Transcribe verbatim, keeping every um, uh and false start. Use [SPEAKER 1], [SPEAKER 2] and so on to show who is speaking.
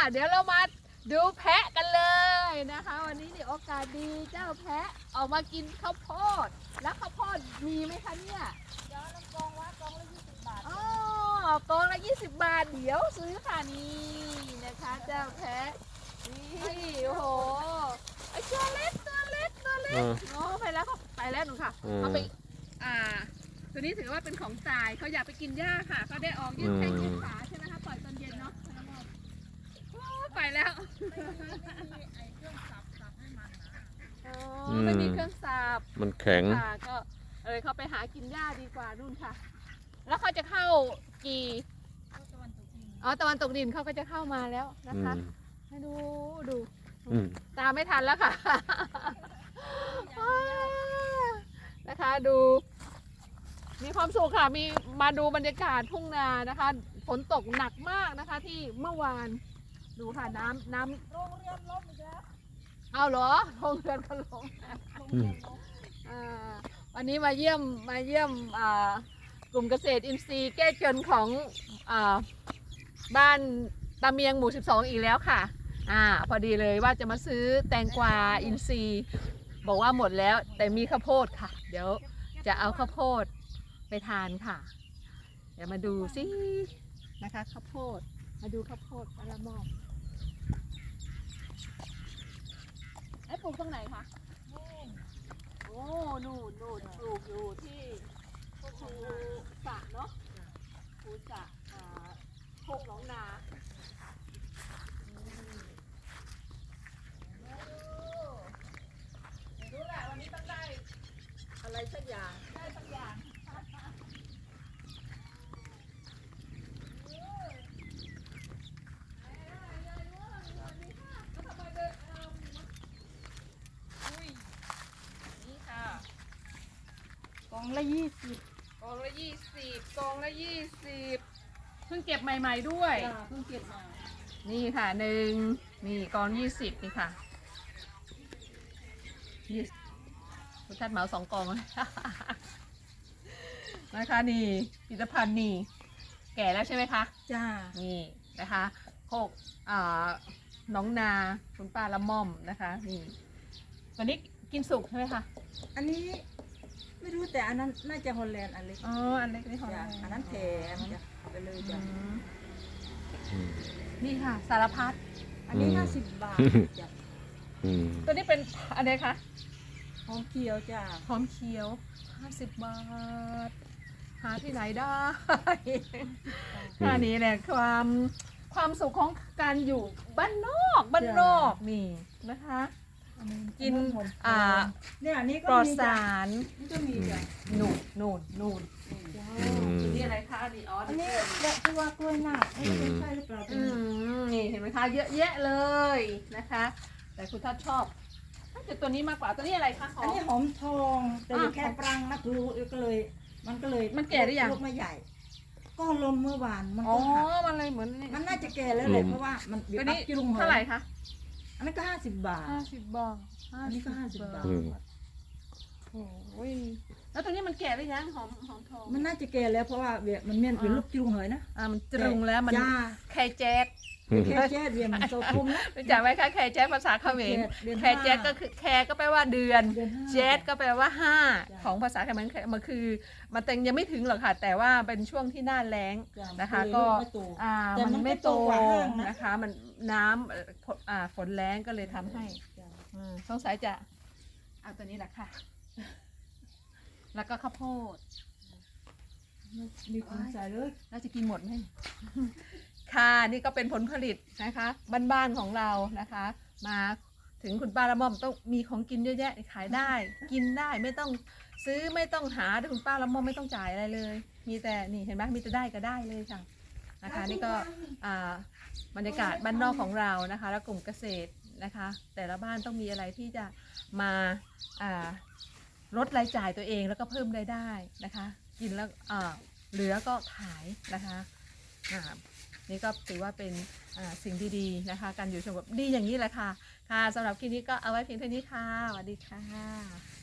[SPEAKER 1] เดี๋ยวเรามาดูแพะกันเลยนะคะวันนี้นี่โอกาสดีเจ้าแพะออกมากินข้าวโพดแล้วข้าวโพดมีไหมคะเนี่ย
[SPEAKER 2] เดี๋ยวน้ำกองว่ากองละยี่สิบบาท
[SPEAKER 1] อ๋อกองละยี่สิบบาทเดี๋ยวซื้อค่ะนี่นะคะเจ้าแพะนี่โอ้โหไอ้ตัวเล็กตัวเล็กตัวเล็กโอ้ไปแล้วเขาไปแล้วหนูค่ะเขาไปอ่าตัวนี้ถือว่าเป็นของตายเขาอยากไปกินหญ้าค่ะเขาได้ออกยืดแข้งยืดขาใช่ไหมคะปล่อยตอนเย็นเนาะไปแล้วไม่มีเครื่องสับ
[SPEAKER 3] มันแข็ง
[SPEAKER 1] ค่ะก็เออเขาไปหากินหญ้าดีกว่านู่นค่ะแล้วเขาจะเข้ากี่อ๋อตะวันตกดินเขาก็จะเข้ามาแล้วนะคะให้ดูดูตามไม่ทันแล้วค่ะนะคะดูมีความสุขค่ะมีมาดูบรรยากาศทุ่งนานะคะฝนตกหนักมากนะคะที่เมื่อวานดูค่ะน้ำน้ำ
[SPEAKER 2] โรงเรียนล้มอีกแล้ว
[SPEAKER 1] เอาเหรอโรงเรียนก็ล้มวันนี้มาเยี่ยมมาเยี่ยมกลุ่มเกษตรอินทรีย์แก้จนของบ้านตาเมียงหมู่สิบสองอีกแล้วค่ะอ่าพอดีเลยว่าจะมาซื้อแตงกวาอินทรีย์บอกว่าหมดแล้วแต่มีข้าวโพดค่ะเดี๋ยวจะเอาข้าวโพดไปทานค่ะเดี๋ยวมาดูสินะคะข้าวโพดมาดูข้าวโพดปลาหม้อไอ้ปลูกตรงไหนคะโอ้นู่นนู่นปลูกอยู่ที่ภูสะเนาะภูสะอ่าโคกหนองนารู้แหละวันนี้ต้องได้อะไรสักอย่างได้สักอย่าง
[SPEAKER 2] กองละยี่สิบ
[SPEAKER 1] กองละยี่สิบกองละยี่สิบเพิ่งเก็บใหม่ๆด้วย
[SPEAKER 2] เพิ่งเก็บมา
[SPEAKER 1] นี่ค่ะหนึ่งนี่กองยี่สิบนี่ค่ะยี่คุณทัดเหมาสองกองนะคะนี่ผลิตภัณฑ์นี่แก่แล้วใช่ไหมคะ
[SPEAKER 2] จ้า
[SPEAKER 1] นี่นะคะโคกอ่าน้องนาคุณป้าละม่อมนะคะนี่วันนี้กินสุกใช่ไหมคะ
[SPEAKER 2] อันนี้ไม่รู้แต่อันนั้นน่าจะฮอลแลนด์อันเล็ก
[SPEAKER 1] อ๋ออันเล็กนี่ฮอลแลนด์
[SPEAKER 2] อันนั้นแถมจะเอาไปเลยจ้ะ
[SPEAKER 1] นี่ค่ะสารพัด
[SPEAKER 2] อันนี้ห้าสิบบาทจ้ะ
[SPEAKER 1] ตัวนี้เป็นอะไรคะ
[SPEAKER 2] หอมเขียวจ้ะ
[SPEAKER 1] หอมเขียวห้าสิบบาทหาที่ไหนได้อันนี้แหละความความสุขของการอยู่บ้านนอกบ้านนอกนี่นะคะกินอ่า
[SPEAKER 2] เนี่ยอันนี้ก็
[SPEAKER 1] ปลอดสาร
[SPEAKER 2] นี่ก็มีจ้ะ
[SPEAKER 1] นูนนูนนูนนี่อะไรคะนี่อ๋อ
[SPEAKER 2] อันนี้แบบที่ว่ากล้วยหนักไม่ใช่หรือเปล่า
[SPEAKER 1] นี่เห็นไหมคะเยอะแยะเลยนะคะแต่คุณท่านชอบแต่ตัวนี้มากกว่าตัวนี้อะไรคะ
[SPEAKER 2] อันนี้หอมทองแต่แค่ปรังนะครูก็เลยมันก็เลย
[SPEAKER 1] มันแก่หรือยัง
[SPEAKER 2] ลูกไม่ใหญ่ก็ลมเมื่อวานมัน
[SPEAKER 1] ก็
[SPEAKER 2] หัก
[SPEAKER 1] มันเลยเหมือน
[SPEAKER 2] มันน่าจะแก่แล้วเลยเพราะว่ามัน
[SPEAKER 1] ตัวนี้เท่าไหร่คะ
[SPEAKER 2] อันนั้นก็ห้าสิบบาท
[SPEAKER 1] ห้าสิบบาท
[SPEAKER 2] อันนี้ก็ห้าสิบบาท
[SPEAKER 1] โอ้ยแล้วตัวนี้มันแก่หรือยังหอมหอมทอง
[SPEAKER 2] มันน่าจะแก่แล้วเพราะว่าเวียมันเมียนเป็นลูกจุงเหยนะ
[SPEAKER 1] อ่ามันจุงแล้วมันแค่แจ๊ด
[SPEAKER 2] แค่แจ๊ดเวียมันโตคุมนะ
[SPEAKER 1] รู้จักไหมคะแค่แจ๊ดภาษาเขมรแค่แจ๊ดก็คือแค่ก็แปลว่าเดือนแจ๊ดก็แปลว่าห้าของภาษาเขมรมันคือมันแต่ยังไม่ถึงหรอกค่ะแต่ว่าเป็นช่วงที่หน้าแล้งนะคะก็อ่ามันไม่โตนะคะมันน้ำอ่าฝนแล้งก็เลยทำให้สงสัยจะเอาตัวนี้แหละค่ะแล้วก็ข้าวโพด
[SPEAKER 2] มีคนใส่เลย
[SPEAKER 1] เราจะกินหมดไหมค่ะนี่ก็เป็นผลผลิตนะคะบ้านๆของเรานะคะมาถึงคุณป้าละม่อมต้องมีของกินเยอะแยะขายได้กินได้ไม่ต้องซื้อไม่ต้องหาคุณป้าละม่อมไม่ต้องจ่ายอะไรเลยมีแต่นี่เห็นไหมมีแต่ได้ก็ได้เลยค่ะนะคะนี่ก็บรรยากาศบ้านนอกของเรานะคะและกลุ่มเกษตรนะคะแต่ละบ้านต้องมีอะไรที่จะมาลดรายจ่ายตัวเองแล้วก็เพิ่มรายได้นะคะกินแล้วเหลือก็ขายนะคะนี่ก็ถือว่าเป็นสิ่งดีๆนะคะการอยู่ชมแบบดีอย่างนี้แหละค่ะค่ะสำหรับคลิปนี้ก็เอาไว้เพียงเท่านี้ค่ะสวัสดีค่ะ